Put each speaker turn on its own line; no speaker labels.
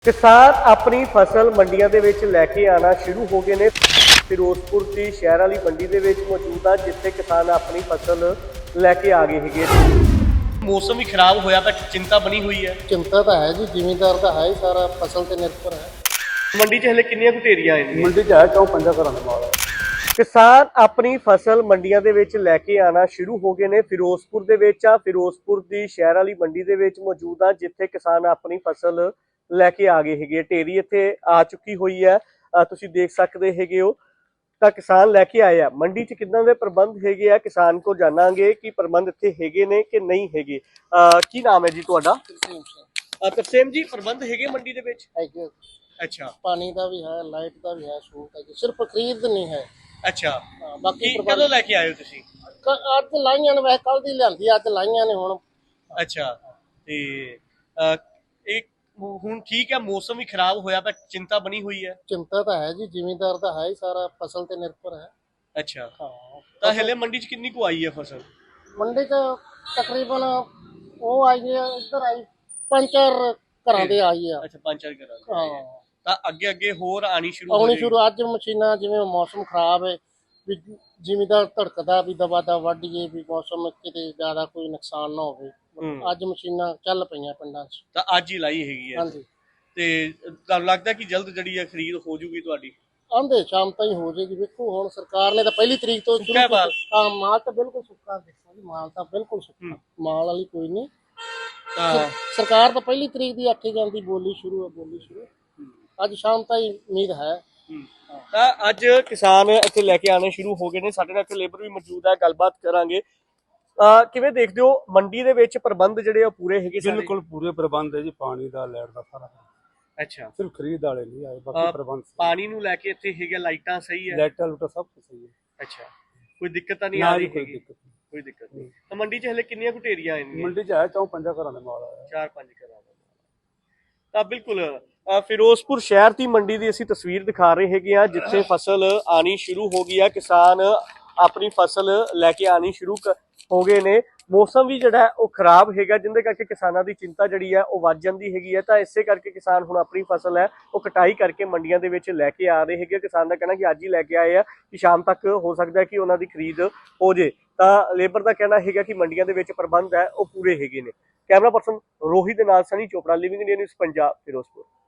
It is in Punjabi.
किसान अपनी फसल ਮੰਡੀਆਂ ਦੇ ਵਿੱਚ ਲੈ ਕੇ ਆਣਾ ਸ਼ੁਰੂ ਹੋ ਗਏ ਨੇ। ਫਿਰੋਜ਼ਪੁਰ ਦੀ ਸ਼ਹਿਰ ਵਾਲੀ ਮੰਡੀ ਦੇ ਵਿੱਚ ਮੌਜੂਦ ਆ, ਜਿੱਥੇ ਕਿਸਾਨ ਆਪਣੀ ਫਸਲ ਲੈ ਕੇ ਆ ਗਏ ਹੈਗੇ। ਮੌਸਮ ਵੀ ਖਰਾਬ ਹੋਇਆ ਤਾਂ ਚਿੰਤਾ ਬਣੀ ਹੋਈ ਹੈ।
चिंता तो है जी, जिमीदार तो है ही सारा फसल से निर्भर है।
ਮੰਡੀ 'ਚ ਹਲੇ ਕਿੰਨੀਆਂ ਕੁ ਢੇਰੀਆਂ ਆਏ ਨੇ?
मंडी च है क्यों पंजा घर माल है।
ਕਿਸਾਨ ਆਪਣੀ ਫਸਲ ਮੰਡੀਆਂ ਦੇ ਵਿੱਚ ਲੈ ਕੇ ਆਣਾ ਸ਼ੁਰੂ ਹੋ ਗਏ ਨੇ। ਫਿਰੋਜ਼ਪੁਰ ਦੇ ਵਿੱਚ ਆ, ਫਿਰੋਜ਼ਪੁਰ ਦੀ ਸ਼ਹਿਰ ਵਾਲੀ ਮੰਡੀ ਦੇ ਵਿੱਚ ਮੌਜੂਦ ਆ, ਜਿੱਥੇ ਕਿਸਾਨ ਆਪਣੀ ਫਸਲ ਲੈ ਕੇ ਆ ਗਏ ਹੈਗੇ। ਢੇਰੀ ਇੱਥੇ ਆ ਚੁੱਕੀ ਹੋਈ ਹੈ, ਤੁਸੀਂ ਦੇਖ ਸਕਦੇ ਹੈਗੇ ਹੋ। ਤਾਂ ਕਿਸਾਨ ਲੈ ਕੇ ਆਏ ਆ। ਮੰਡੀ 'ਚ ਕਿੱਦਾਂ ਦੇ ਪ੍ਰਬੰਧ ਹੈਗੇ ਆ, ਕਿਸਾਨ ਕੋ ਜਾਣਾਂਗੇ ਕਿ ਪ੍ਰਬੰਧ ਇੱਥੇ ਹੈਗੇ ਨੇ ਕਿ ਨਹੀਂ ਹੈਗੇ। ਕੀ ਨਾਮ ਹੈ ਜੀ ਤੁਹਾਡਾ? ਤਰਸੇਮ ਜੀ, ਪ੍ਰਬੰਧ ਹੈਗੇ ਮੰਡੀ ਦੇ ਵਿੱਚ? अच्छा,
पानी का भी है, लाइट का भी है, सहूलत है, सिर्फ खरीद नहीं है।
अच्छा।
बाकी
कदों लेके आए हो तुसी?
अज लाइया ने, वैसे कल दी लियांदी, अज लाइया ने हुण।
अच्छा, ते एक ਹੁਣ ਠੀਕ ਹੈ, ਮੌਸਮ ਵੀ ਖਰਾਬ ਹੋਇਆ ਤਾਂ ਚਿੰਤਾ ਬਣੀ ਹੋਈ ਹੈ।
चिंता तो है जी, जिमीदार तो है ही सारा फसल से निर्भर है।
ਅੱਛਾ,
हाँ,
ਤਾਂ ਹਲੇ ਮੰਡੀ 'ਚ ਕਿੰਨੀ ਕੁ ਆਈ ਹੈ ਫਸਲ?
मंडी च तकरीबन वो आई है, इधर आई 5-4 घरां दे आई है।
ਅੱਛਾ, 5-4 ਘਰਾਂ ਦੀ।
हाँ,
ਤਾਂ ਅੱਗੇ ਅੱਗੇ ਹੋਰ ਆਣੀ ਸ਼ੁਰੂ ਹੋ
ਆਉਣੀ
ਜਾਏਗੀ।
ਸ਼ੁਰੂ। ਅੱਜ ਮਸ਼ੀਨਾਂ, ਜਿਵੇਂ ਮੌਸਮ ਖਰਾਬ ਹੈ, ਵੀ ਜ਼ਿਮੀਦਾਰ ਧੜਕਦਾ ਵੀ ਦਬਾ ਦਬ ਵੱਢੀਏ, ਵੀ ਮੌਸਮ ਕਿਤੇ ਜ਼ਿਆਦਾ ਕੋਈ ਨੁਕਸਾਨ ਨਾ ਹੋਵੇ। ਅੱਜ ਮਸ਼ੀਨਾਂ ਚੱਲ ਪਈਆਂ ਪਿੰਡਾਂ 'ਚ।
ਤਾਂ ਅੱਜ ਹੀ ਲਾਈ ਹੈਗੀ ਹੈ।
ਹਾਂਜੀ,
ਤੇ ਤੁਹਾਨੂੰ ਲੱਗਦਾ ਕਿ ਜਲਦ ਜਿਹੜੀ ਹੈ ਖਰੀਦ ਹੋ ਜੂਗੀ ਤੁਹਾਡੀ?
ਆਂਦੇ ਸ਼ਾਮ ਤਾਈਂ ਹੋ ਜਾਏਗੀ। ਵੇਖੋ, ਹੁਣ ਸਰਕਾਰ ਨੇ ਤਾਂ 1 ਤਰੀਕ ਤੋਂ
ਸੁੱਕਾ ਮਾਲ?
ਹਾਂ, ਮਾਲ ਤਾਂ ਬਿਲਕੁਲ ਸੁੱਕਾ। ਦੇਖੋ ਜੀ, ਮਾਲ ਤਾਂ ਬਿਲਕੁਲ ਸੁੱਕਾ, ਮਾਲ ਵਾਲੀ ਕੋਈ ਨਹੀਂ।
ਤਾਂ
ਸਰਕਾਰ ਤਾਂ 1 ਤਰੀਕ ਦੀ ਆਖੀ ਜਾਂਦੀ, ਬੋਲੀ ਸ਼ੁਰੂ ਹੈ, ਬੋਲੀ ਸ਼ੁਰੂ। ਅੱਜ ਸ਼ਾਮ ਤਾਈਂ ਉਮੀਦ ਹੈ।
ਤਾਂ ਅੱਜ ਕਿਸਾਨ ਇੱਥੇ ਲੈ ਕੇ ਆਣੇ ਸ਼ੁਰੂ ਹੋ ਗਏ ਨੇ। ਸਾਡੇ ਨਾਲ ਇੱਥੇ ਲੇਬਰ ਵੀ ਮੌਜੂਦ ਹੈ, ਗੱਲਬਾਤ ਕਰਾਂਗੇ। ਕਿਵੇਂ ਦੇਖਦੇ ਹੋ ਮੰਡੀ ਦੇ ਵਿੱਚ ਪ੍ਰਬੰਧ ਜਿਹੜੇ ਉਹ ਪੂਰੇ ਹੈਗੇ?
बिल्कुल पूरे प्रबंध है जी, पानी का लाइट का सारा।
ਅੱਛਾ,
सिर्फ खरीद वाले नहीं आए, बाकी प्रबंध सही।
ਪਾਣੀ ਨੂੰ ਲੈ ਕੇ ਇੱਥੇ ਹੈਗਾ, ਲਾਈਟਾਂ ਸਹੀ ਹੈ?
लाइटा लूटा सब कुछ सही है।
ਅੱਛਾ, ਕੋਈ ਦਿੱਕਤ ਤਾਂ ਨਹੀਂ
ना
ਆ ਰਹੀ
जी कोई
ਹੈਗੀ?
दिक्कत नहीं।
ਕੋਈ ਦਿੱਕਤ ਨਹੀਂ। ਤਾਂ ਮੰਡੀ 'ਚ ਹਲੇ ਕਿੰਨੀਆਂ ਕੁ ਢੇਰੀਆਂ ਆਏਗੀਆਂ?
मंडी च है क्यों पंजा घर माल है।
4-5 ਘਰਾਂ ਦਾ। ਤਾਂ ਬਿਲਕੁਲ ਫਿਰੋਜ਼ਪੁਰ ਸ਼ਹਿਰ ਦੀ ਮੰਡੀ ਦੀ ਅਸੀਂ ਤਸਵੀਰ ਦਿਖਾ ਰਹੇ ਹੈਗੇ ਆ, ਜਿੱਥੇ ਫਸਲ ਆਣੀ ਸ਼ੁਰੂ ਹੋ ਗਈ ਆ। ਕਿਸਾਨ ਆਪਣੀ ਫਸਲ ਲੈ ਕੇ ਆਣੀ ਸ਼ੁਰੂ ਹੋ ਗਏ ਨੇ। ਮੌਸਮ ਵੀ ਜਿਹੜਾ ਉਹ ਖਰਾਬ ਹੈਗਾ, ਜਿੰਦੇ ਕਰਕੇ ਕਿਸਾਨਾਂ ਦੀ ਚਿੰਤਾ ਜਿਹੜੀ ਹੈ ਉਹ ਵੱਧ ਜਾਂਦੀ ਹੈਗੀ ਹੈ। ਤਾਂ ਇਸੇ ਕਰਕੇ ਕਿਸਾਨ ਹੁਣ ਆਪਣੀ ਫਸਲ ਹੈ ਉਹ ਕਟਾਈ ਕਰਕੇ ਮੰਡੀਆਂ ਦੇ ਵਿੱਚ ਲੈ ਕੇ ਆ ਰਹੇ ਹੈਗੇ। ਕਿਸਾਨ ਦਾ ਕਹਿਣਾ ਕਿ ਅੱਜ ਹੀ ਲੈ ਕੇ ਆਏ ਆ, ਕਿ ਸ਼ਾਮ ਤੱਕ ਹੋ ਸਕਦਾ ਹੈ ਕਿ ਉਹਨਾਂ ਦੀ ਖਰੀਦ ਹੋ ਜੇ। ਤਾਂ ਲੇਬਰ ਦਾ ਕਹਿਣਾ ਹੈਗਾ ਕਿ ਮੰਡੀਆਂ ਦੇ ਵਿੱਚ ਪ੍ਰਬੰਧ ਹੈ ਉਹ ਪੂਰੇ ਹੈਗੇ ਨੇ। ਕੈਮਰਾ ਪਰਸਨ ਰੋਹਿਤ ਦੇ ਨਾਲ Sunny Chopra, living India news Punjab, Firozpur.